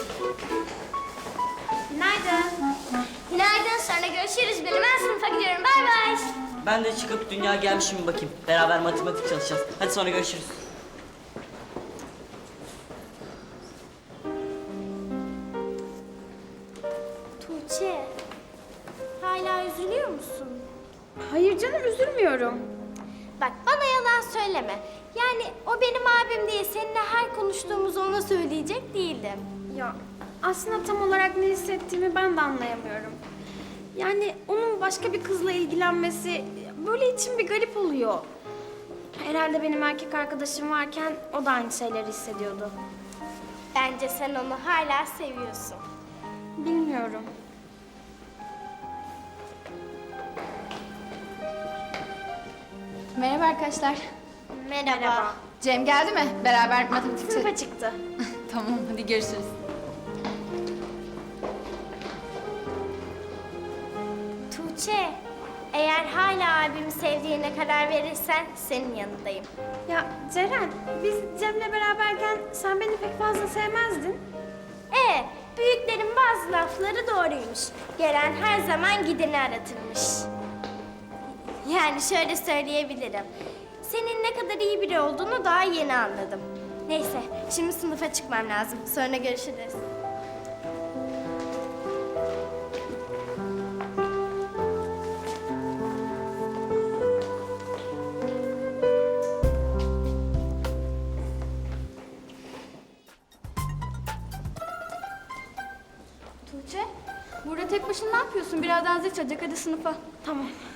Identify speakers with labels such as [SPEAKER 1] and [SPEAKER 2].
[SPEAKER 1] Günaydın. Günaydın. Sonra görüşürüz. Ben sınıfa gidiyorum. Bay bay.
[SPEAKER 2] Ben de çıkıp dünya gelmiş mi bakayım. Beraber matematik çalışacağız. Hadi sonra görüşürüz.
[SPEAKER 1] Tuğçe, hala üzülüyor musun?
[SPEAKER 3] Hayır canım, üzülmüyorum.
[SPEAKER 1] Bak bana yalan söyleme. Yani o benim abim diye seninle her konuştuğumuzu ona söyleyecek değildim.
[SPEAKER 3] Ya aslında tam olarak ne hissettiğimi ben de anlayamıyorum. Yani onun başka bir kızla ilgilenmesi böyle içim bir garip oluyor. Herhalde benim erkek arkadaşım varken o da aynı şeyleri hissediyordu.
[SPEAKER 1] Bence sen onu hala seviyorsun.
[SPEAKER 3] Bilmiyorum.
[SPEAKER 4] Merhaba arkadaşlar.
[SPEAKER 1] Merhaba.
[SPEAKER 4] Cem geldi mi? Beraber matematik
[SPEAKER 3] Sınıfa çıktı.
[SPEAKER 4] Tamam, hadi görüşürüz.
[SPEAKER 1] Tuğçe, eğer hala abimi sevdiğine karar verirsen senin yanındayım.
[SPEAKER 3] Ya Ceren, biz Cem'le beraberken sen beni pek fazla sevmezdin.
[SPEAKER 1] Büyüklerin bazı lafları doğruymuş. Gelen her zaman gideni aratırmış. Yani şöyle söyleyebilirim. Senin ne kadar iyi biri olduğunu daha yeni anladım. Neyse, şimdi sınıfa çıkmam lazım. Sonra görüşürüz.
[SPEAKER 4] Tuğçe, burada tek başına ne yapıyorsun? Birazdan zil çalacak, hadi sınıfa.
[SPEAKER 3] Tamam.